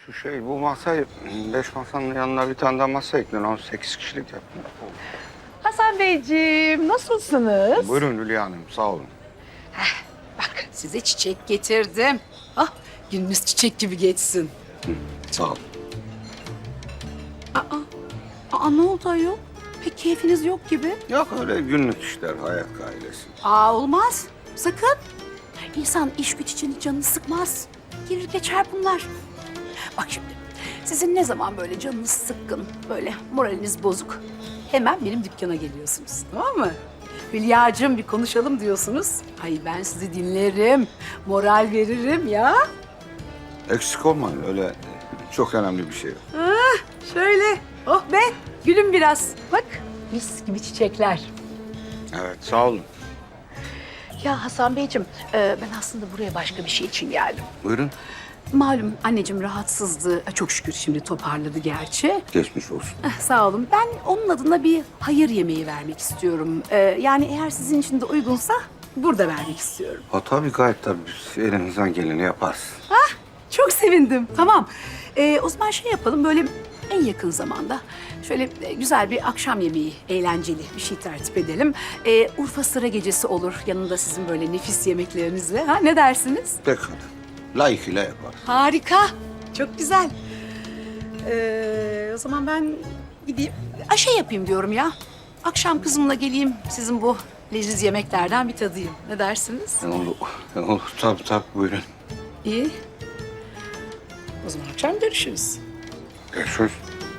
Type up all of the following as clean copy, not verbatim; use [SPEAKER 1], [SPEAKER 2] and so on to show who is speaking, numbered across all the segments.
[SPEAKER 1] Bu masayı, 5 masanın yanına bir tane daha masa ekleyin. 18 kişilik yapın.
[SPEAKER 2] Hasan Beyciğim, nasılsınız?
[SPEAKER 1] Buyurun Hülya Hanım, sağ olun.
[SPEAKER 2] Bak, size çiçek getirdim. Ah, gününüz çiçek gibi geçsin.
[SPEAKER 1] Sağ olun.
[SPEAKER 2] Ne oldu ayol? Pek keyfiniz yok gibi.
[SPEAKER 1] Yok öyle günlük işler, hayat gailesi.
[SPEAKER 2] Olmaz. Sakın. İnsan iş güç için canını sıkmaz. Gelir geçer bunlar. Bak şimdi, sizin ne zaman böyle canınız sıkkın, böyle moraliniz bozuk, hemen benim dükkana geliyorsunuz, tamam mı? Hülya'cığım bir konuşalım diyorsunuz. Ay ben sizi dinlerim, moral veririm ya.
[SPEAKER 1] Eksik olmayın, öyle çok önemli bir şey yok.
[SPEAKER 2] Şöyle, oh be, gülün biraz. Bak, mis gibi çiçekler.
[SPEAKER 1] Evet, sağ olun.
[SPEAKER 2] Ya Hasan Beyciğim, ben aslında buraya başka bir şey için geldim.
[SPEAKER 1] Buyurun.
[SPEAKER 2] Malum anneciğim rahatsızdı. Çok şükür şimdi toparladı gerçi.
[SPEAKER 1] Geçmiş olsun.
[SPEAKER 2] Sağ olun. Ben onun adına bir hayır yemeği vermek istiyorum. Yani eğer sizin için de uygunsa burada vermek istiyorum.
[SPEAKER 1] Ha tabii gayet tabii, biz elimizden geleni yaparız.
[SPEAKER 2] Çok sevindim. Tamam. O zaman şey yapalım böyle en yakın zamanda şöyle güzel bir akşam yemeği, eğlenceli bir şey tertip edelim. Urfa sıra gecesi olur. Yanında sizin böyle nefis yemeklerinizle. Ha, ne dersiniz?
[SPEAKER 1] Pekala. Layıkıyla yaparız.
[SPEAKER 2] Harika. Çok güzel. O zaman ben gideyim. Şey yapayım diyorum ya. Akşam kızımla geleyim. Sizin bu leziz yemeklerden bir tadayım. Ne dersiniz?
[SPEAKER 1] Olur, tabii buyurun.
[SPEAKER 2] İyi. O zaman akşam görüşürüz.
[SPEAKER 1] Görüşürüz.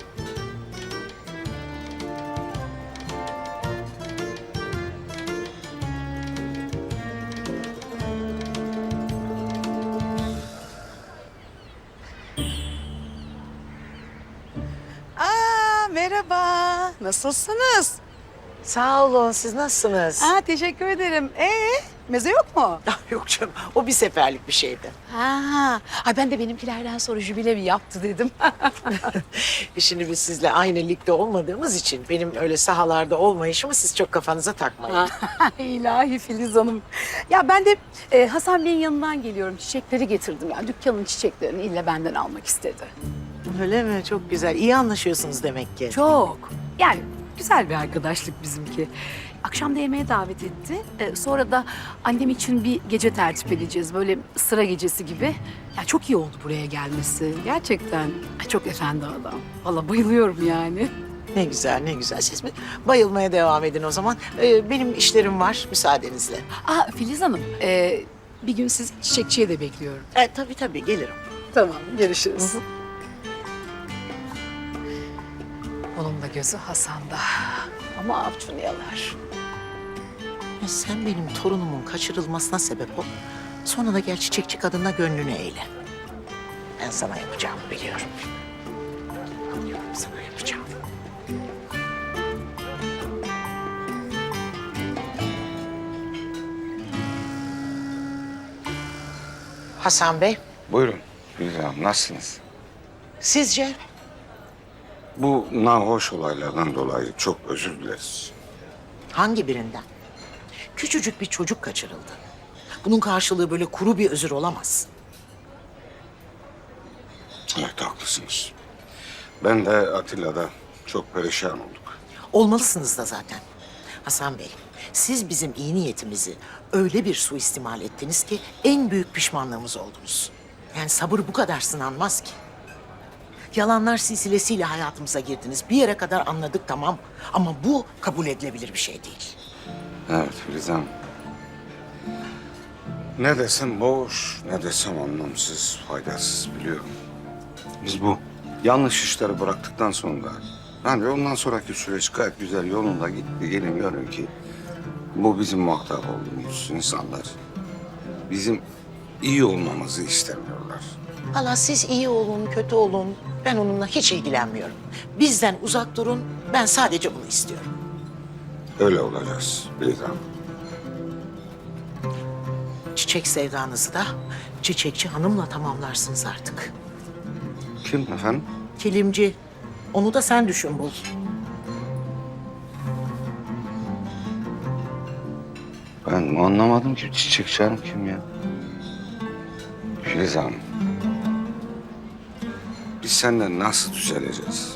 [SPEAKER 2] Merhaba. Nasılsınız?
[SPEAKER 3] Sağ olun. Siz nasılsınız?
[SPEAKER 2] Teşekkür ederim. Meze yok mu?
[SPEAKER 3] Yok canım. O bir seferlik bir şeydi.
[SPEAKER 2] Ay ben de benimkilerden sonra jübile mi yaptı dedim.
[SPEAKER 3] Şimdi biz sizle aynı ligde olmadığımız için benim öyle sahalarda olmayışımı siz çok kafanıza takmayın.
[SPEAKER 2] İlahi Filiz Hanım. Ya ben de Hasan Bey'in yanından geliyorum. Çiçekleri getirdim. Yani dükkanın çiçeklerini ille benden almak istedi.
[SPEAKER 3] Öyle mi? Çok güzel. İyi anlaşıyorsunuz demek ki.
[SPEAKER 2] Çok. Yani güzel bir arkadaşlık bizimki. Akşam da yemeğe davet etti. Sonra da annem için bir gece tertip edeceğiz. Böyle sıra gecesi gibi. Ya çok iyi oldu buraya gelmesi. Gerçekten. Çok efendi adam. Vallahi bayılıyorum yani.
[SPEAKER 3] Ne güzel, ne güzel. Siz bayılmaya devam edin o zaman. Benim işlerim var müsaadenizle.
[SPEAKER 2] Filiz Hanım, bir gün sizi çiçekçiye de bekliyorum.
[SPEAKER 3] Tabii gelirim.
[SPEAKER 2] Tamam, görüşürüz. Onun da gözü Hasan'da. Ama avcunu yalar.
[SPEAKER 3] Ya sen benim torunumun kaçırılmasına sebep ol. Sonra da gel çiçekçi kadınla gönlünü eyle. Ben sana yapacağımı biliyorum. Sana yapacağım. Hasan Bey,
[SPEAKER 1] Buyurun Hülya Hanım, nasılsınız?
[SPEAKER 3] sizce?
[SPEAKER 1] Bu nahoş olaylardan dolayı çok özür dileriz.
[SPEAKER 3] Hangi birinden? Küçücük bir çocuk kaçırıldı. Bunun karşılığı böyle kuru bir özür olamaz.
[SPEAKER 1] Evet, haklısınız. Ben de Atilla'da çok perişan olduk.
[SPEAKER 3] Olmalısınız da zaten. Hasan Bey, siz bizim iyi niyetimizi öyle bir suistimal ettiniz ki en büyük pişmanlığımız oldunuz. Yani sabır bu kadar sınanmaz ki. Yalanlar silsilesiyle hayatımıza girdiniz. Bir yere kadar anladık tamam ama bu kabul edilebilir bir şey değil.
[SPEAKER 1] Evet Filiz Hanım. Ne desem boş, ne desem anlamsız, faydasız biliyorum. Biz bu yanlış işleri bıraktıktan sonra... Yani ondan sonraki süreç gayet güzel yolunda gitti. Gelin görün ki bu bizim muhatap olduğumuz insanlar. Bizim iyi olmamızı istemiyorlar.
[SPEAKER 3] Valla siz iyi olun, kötü olun. Ben onunla hiç ilgilenmiyorum. Bizden uzak durun. Ben sadece bunu istiyorum.
[SPEAKER 1] Öyle olacağız Filiz Hanım.
[SPEAKER 3] Çiçek sevdanızı da çiçekçi hanımla tamamlarsınız artık.
[SPEAKER 1] Kim efendim?
[SPEAKER 3] Kilimci. Onu da sen düşün bul.
[SPEAKER 1] Ben anlamadım ki çiçekçi hanım kim ya? Filiz Hanım. biz senden nasıl düzeleceğiz?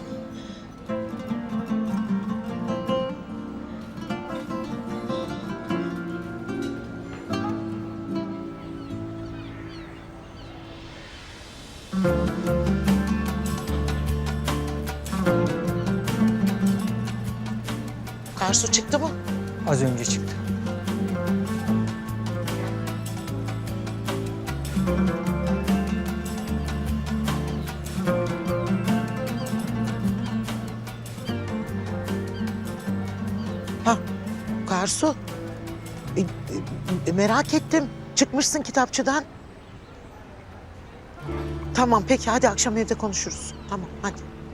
[SPEAKER 3] Karsu çıktı mı?
[SPEAKER 4] Az önce çıktı.
[SPEAKER 3] Ha, Karsu. Merak ettim. Çıkmışsın kitapçıdan. Tamam peki hadi akşam evde konuşuruz. Tamam hadi.